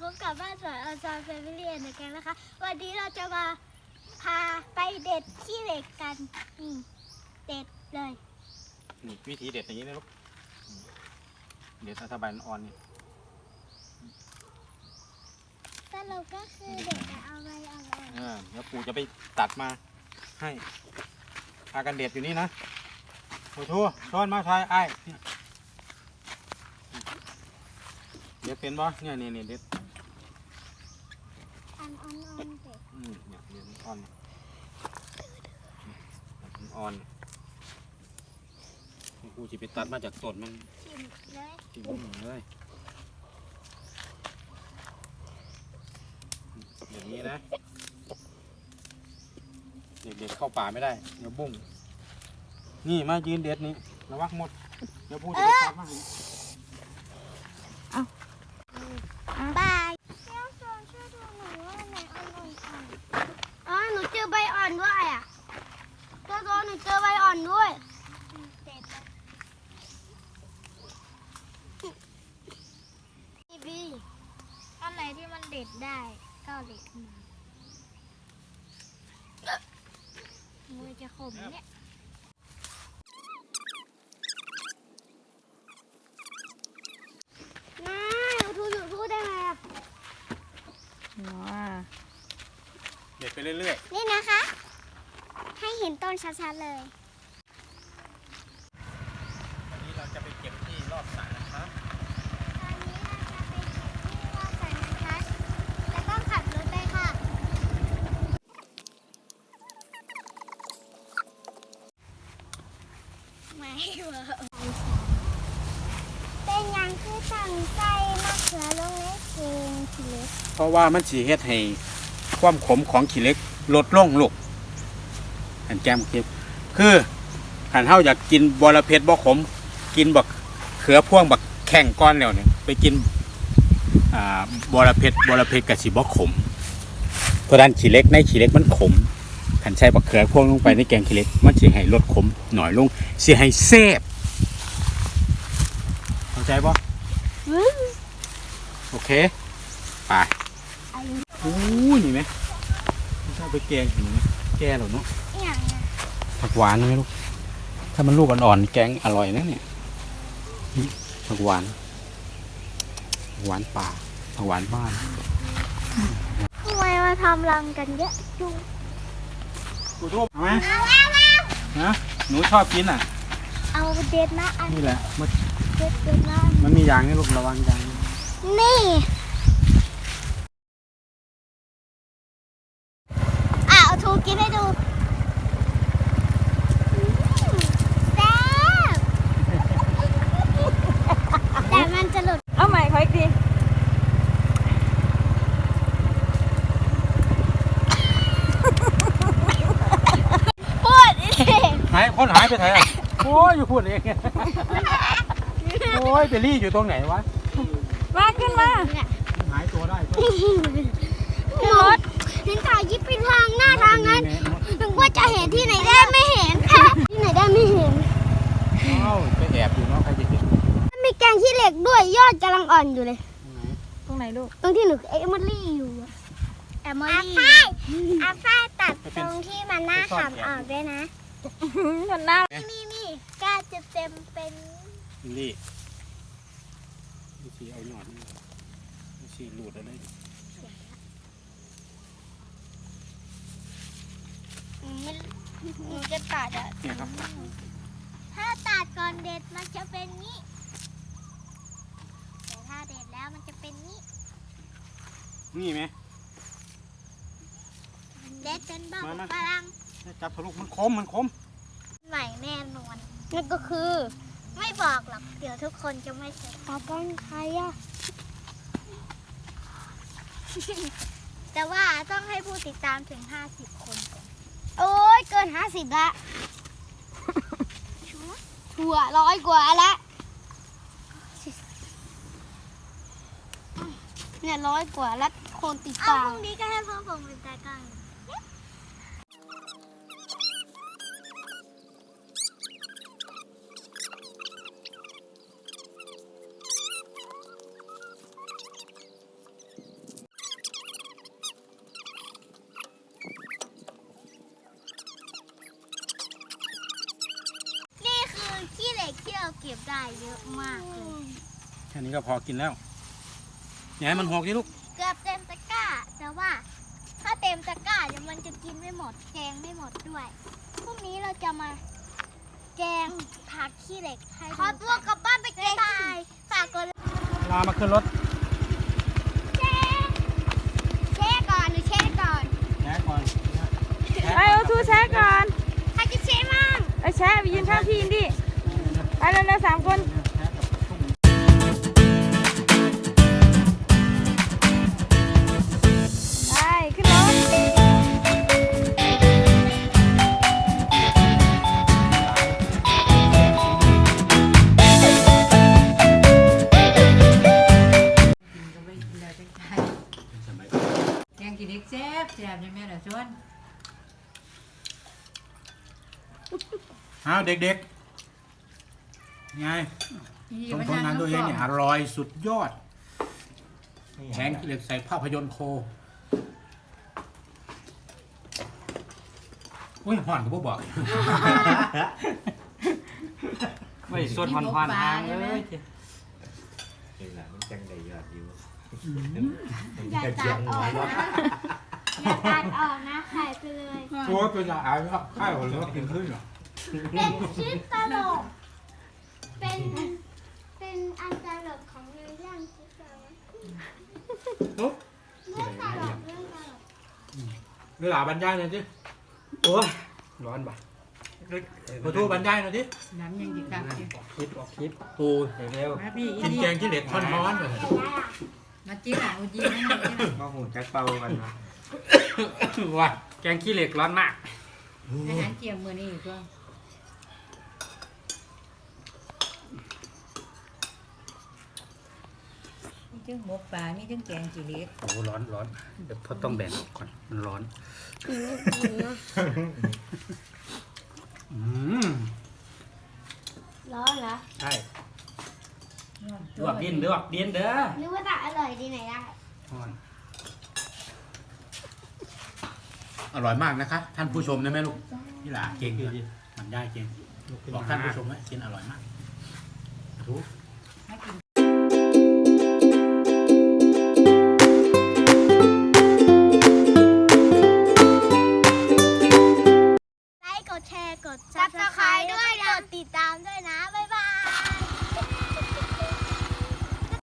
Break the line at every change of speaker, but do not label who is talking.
บกับบ้านสวนอซอนแฟมิลี่เหมือนกันนะคะวันนี้เราจะมาพาไปเด็ดขี้เหล็กกันนี่เด็ดเลย
นี่วิธีเด็ดอย่างนี้นะลูกเด็ดถ้าใบอ่อนนี่
สรุปก็คือเด็ดจะเอาใบอ่อน
เดี๋ยวปู่จะไปตัดมาให้พากันเด็ดอยู่นี่นะโอ้โหช้อนมาทายไอ้เด็ดเป็นบ่เนี่ยเด็ด
อ่อนเด็ด
เนี่ยเด็ดอ่อนอ่อนปู่จะไปตัดมาจากต้นมัน
ชิมเลย
ชิมเลยอย่างนี้นะเด็กๆเข้าป่าไม่ได้เดี๋ยวบุ้งนี่มายืนเด็ดนี่ระวังหมดเดี๋ยวพูดจะไปตัดมา
บายเจ้าโซนช่วยดูหน่อยว่าไหนอ่อนหนูเจอใบอ่อนด้วยอ่ะเจ้าโซนหนูเจอใบอ่อนด้วยเด็ดบีอันไหนที่มันเด็ดได้ก็เด็ดมามือจะขมเนี่ยน้าหนูทูได้ไหมอ่ะ
เด็ดไปเรื่อย
ๆนี่นะคะ ให้เห็นต้นชัดๆเลย
วันนี้เราจะไปเก็บที่รอบสระนะครับ
ตอนนี้เราจะไปเก็บที่รอบสระนะคะจะต้องขับรถไปค่ะไม่เวิร์กเป็นยังคือตั้งใจมะเขือลงในเกงทีเล็ก
เพราะว่ามันสีเฮ็ดให้ความขมของขี้เหล็กลดลงลูกอันแก้มเก็บคือขันเฮาอยากกินบอระเพ็ดบ่ขมกินบักเขือพ่วงบักแข่งก้อนแล้วเนี่ยไปกินบอระเพ็ดกับสีบ่ขมเพราะด้านขี้เหล็กในขี้เหล็กมันขมขันใช้บักเขือพ่วงลงไปในแกงขี้เหล็กมันสิให้ลดขมหน่อยลงสิให้แซ่บเข้าใจบ่โอเคไปโอ้ยนี่ไหมไม่ใช่ไปแกงเห็นไหมแกหรอเนาะผักหวานไหมลูกถ้ามันลูกอ่อนๆแกงอร่อยนะเนี่ยผักหวานป่าผักหวานบ้าน
ทำไมมาทำรังกันเยอะจุง
กูทุบเอาไหมนะหนูชอบกินอ่ะ
เอาเด็ดนะอัน
นี่แหละ
เด็ดนะ
มันมียางนี่ลูกระวังยาง
นี่เอาทูกินให้ดูแซ่บแต่มันจะหลุด
เอาใหม่ขออีกที
พูดเอง
คนหายไปไหนอ่ะโอ้ยอยู่พูดเองโอ้ยเบลลี่อยู่ตรงไหนวะ
มาขึ้นมา
หายตัวได้
รถเห็นถ่ายยิบเป็นทางหน้าทางนั้นถึงว่าจะเห็นที่ไหนได้ไม่เห็นที่ไหนได้ไม่เห็น
อ้าวไปแอบอยู่เนาะใครจะเห็น
มีแกงขี้เหล็กด้วยยอดกำลังอ่อนอยู่เลย
ตรงไหนลูก
ตรงที่หนูเอมิลี่อยู่อาฝ้ายตัดตรงที่มันหน้าขำออกด้วยนะ
มันน่า
นี่กล้าจะเต็มเป็น
นี่สีเอาหนอนสีหลุดอะไร
หนูจะตัดอ่ะ
เนี่ยครับ
ถ้าตัดก่อนเด็ดมันจะเป็นนี้แต่ถ้าเด็ดแล้วมันจะเป็นนี้
นี่ไหม
เด็ดเป็นบ้าพลัง
จับทะลุมันคม
ใหม่แน่นอนนั่นก็คือไม่บอกหรอกเดี๋ยวทุกคนจะไม่เสร็จตาก้อนใครอะแต่ว่าต้องให้ผู้ติดตามถึง50 คนก่อนโอ้ยเกิน50ละชัวร์100 กว่าละเนี่ย100 กว่าแล้วคนติดตามพรุ่งนี้ก็ให้พ่อผมเป็นตากล้องได้เยอะมากเลย
แค่นี้ก็พอกินแล้วอย่าให้มันหกดิลูก
เกือบเต็มตะกร้า แต่ว่าถ้าเต็มตะกร้าเดี๋ยวมันจะกินไม่หมดแกงไม่หมดด้วยพรุ่งนี้เราจะมาแกงผักขี้เหล็กให้ขอตัวกลับบ้านไปแกงตายฝากกด
ลามาขึ้นรถ
แช่ก่อนหนูแช่ก่อน
แช่ก่อน
ไปเอาทูแช่ก่อน
ใครจะแช่มั่ง
ไปแช่ไปยืนข้างพี่อินดี้ไปเร็วๆ3 คนไปขึ้นรถ
กินก็ไม่กินแล้วจังใจแกงกินเด็กแซ่บแซ่บใช่ไหมล่ะชวน
เอาเด็กๆไง
นี่
ชม
มัน
ผลงานตัวเองเนี่ยอร่อยสุดยอดแข็งเหล็กใส่ภาพยนตร์โคอุ้ยห่อนก็บ่บอก
ไม่ส่วนผ่อนๆทางเลย
นี่แหละมันจังได้ยอดอยู่
อย่าตัดออกนะอย่าตัดออกนะขายไปเลย
โอ้ยเป็นอะไรครับข้าวหรือว่ากินขึ้นเหรอ
เป็นชิ้นตลกเป็นอันตลกของเรื่องชิ้นตลก
ปุ๊บ
เรื่องตลกเรื่องตลก
เวลาบรรยายหน่อยสิ
โอ้ยร้อนบ่ะ
ขอโทษบรรยายหน่อยสิ
น้ำยังดีครับ
คลิปออกคลิป
ปู
เร็ว
มาพี่
กินแกงขี้เหล็กร้อนๆเลย
เห็นไหมล่ะ
มาจิ้มหลังอุจีนั่นเลย
ก็หูจักเป่ากันนะ
ว่าแกงขี้เหล็กร้อนมาก
อาหารเจียมมือนี่ก็มีทั้งหมกปลามีทั้งแกงจีเล็ก
โอ้ร้อนร้อนเดี๋ยวพ่อต้องแบ่งก่อนมันร้อนอืม
ร้อนเหรอ
ใช่ลวกดินเด้อดินเด้อ
นึกว่าจะอร่อยดีไหนได้
ร้อนอร่อยมากนะคะ ท่านผู้ชมนะแม่ลูกนี่หล่ะเก่งเลยมันได้เก่งบอกท่านผู้ชมว่ากินอร่อยมากถูก
มากิน